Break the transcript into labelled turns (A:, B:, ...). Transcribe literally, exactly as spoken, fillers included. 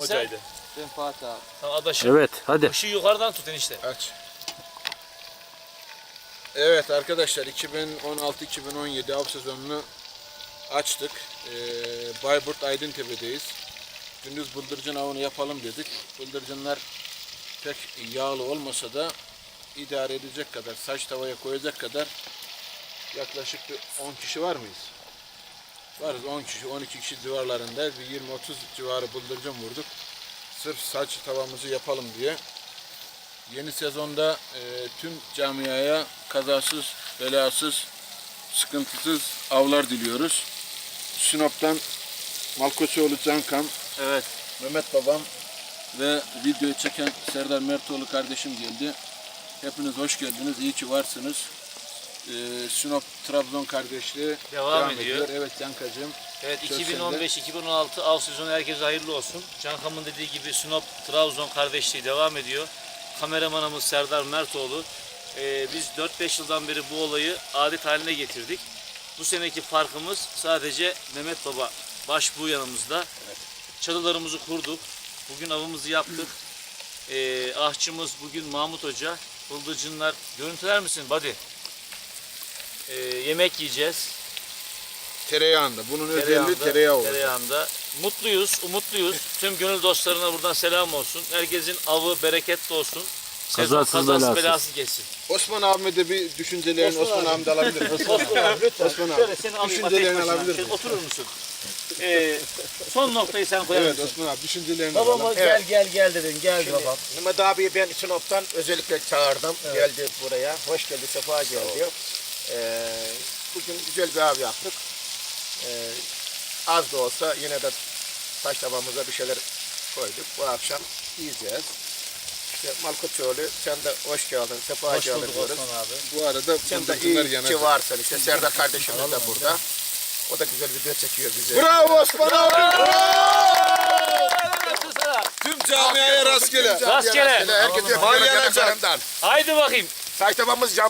A: hocaydı.
B: Ben Fatih abi.
A: Tamam adaşım.
C: Evet hadi.
A: Işığı yukarıdan tut enişte.
D: Aç. Evet arkadaşlar iki bin on altı iki bin on yedi av sezonunu açtık. Ee, Bayburt Aydıntepe'deyiz. Gündüz bıldırcın avını yapalım dedik. Bıldırcınlar pek yağlı olmasa da idare edecek kadar, saç tavaya koyacak kadar yaklaşık bir on kişi var mıyız? Varız on kişi, on iki kişi civarlarında bir yirmi otuz civarı bıldırcın vurduk. Sırf saç tavamızı yapalım diye. Yeni sezonda e, tüm camiaya kazasız, belasız, sıkıntısız avlar diliyoruz. Sinop'tan Malkoçoğlu Cankan,
A: Evet.
D: Mehmet babam ve videoyu çeken Serdar Mertoğlu kardeşim geldi. Hepiniz hoş geldiniz, iyi ki varsınız. Ee, Sinop Trabzon kardeşliği
A: Devam ediyor.
D: Evet Cankacığım.
A: Evet
D: Söz
A: iki bin on beş iki bin on altı av sezonu herkese hayırlı olsun. Cankam'ın dediği gibi Sinop Trabzon kardeşliği devam ediyor. Kameramanımız Serdar Mertoğlu. Ee, biz dört beş yıldan beri bu olayı adet haline getirdik. Bu seneki farkımız sadece Mehmet Baba başbuğ yanımızda. Evet. Çadırlarımızı kurduk. Bugün avımızı yaptık. Ee, ahçımız bugün Mahmut Hoca. Bıldırcınlar görüntüler misin buddy? Ee, yemek yiyeceğiz.
D: Tereyağında. Bunun özelliği
A: Tereyağında,
D: tereyağı olacak.
A: tereyağında. Mutluyuz, umutluyuz. Tüm gönül dostlarına buradan selam olsun. Herkesin avı bereketli olsun. Sezon
C: Kazasız,
A: kazasız
C: belasız.
A: belasız geçsin.
D: Osman abime de bir düşüncelerini Osman, Osman abim de alabilir mi?
A: Osman abi lütfen.
D: Osman abi.
A: Şöyle seni alayım
D: Düşüncelerini
A: ateş başına.
D: alabilir
A: Şöyle
D: miyim?
A: oturur musun? Ee, son noktayı sen koyar
D: Evet
A: mısın?
D: Osman abi düşüncelerini
B: Babama
D: alalım.
B: gel gel gel dedin. Gel
E: Şimdi
B: babam.
E: Mehmet abiyi ben Sinop'tan özellikle çağırdım. Geldi buraya. Hoş geldi, sefa geldi. Ee, bugün güzel bir av yaptık. Ee, az da olsa yine de taş tabağımıza bir şeyler koyduk. Bu akşam yiyeceğiz. İşte Malkoçoğlu sen de hoş geldin, sefa
A: Hoş
E: geldin
A: bulduk
E: diyoruz.
A: Osman abi.
D: Bu arada
E: Sen de
D: bıldırcınlar
E: iyi
D: yanacak.
E: ki varsın işte. Serdar kardeşimiz de burada. O da güzel video çekiyor bize.
D: Bravo Osman abi!
A: Helal olsun sana.
D: Tüm camiaya rastgele.
A: Rastgele.
E: Herkes yapıyor.
D: Vay yanacak.
E: yanaklarından.
A: Haydi bakayım.
E: Taş tabağımız cam.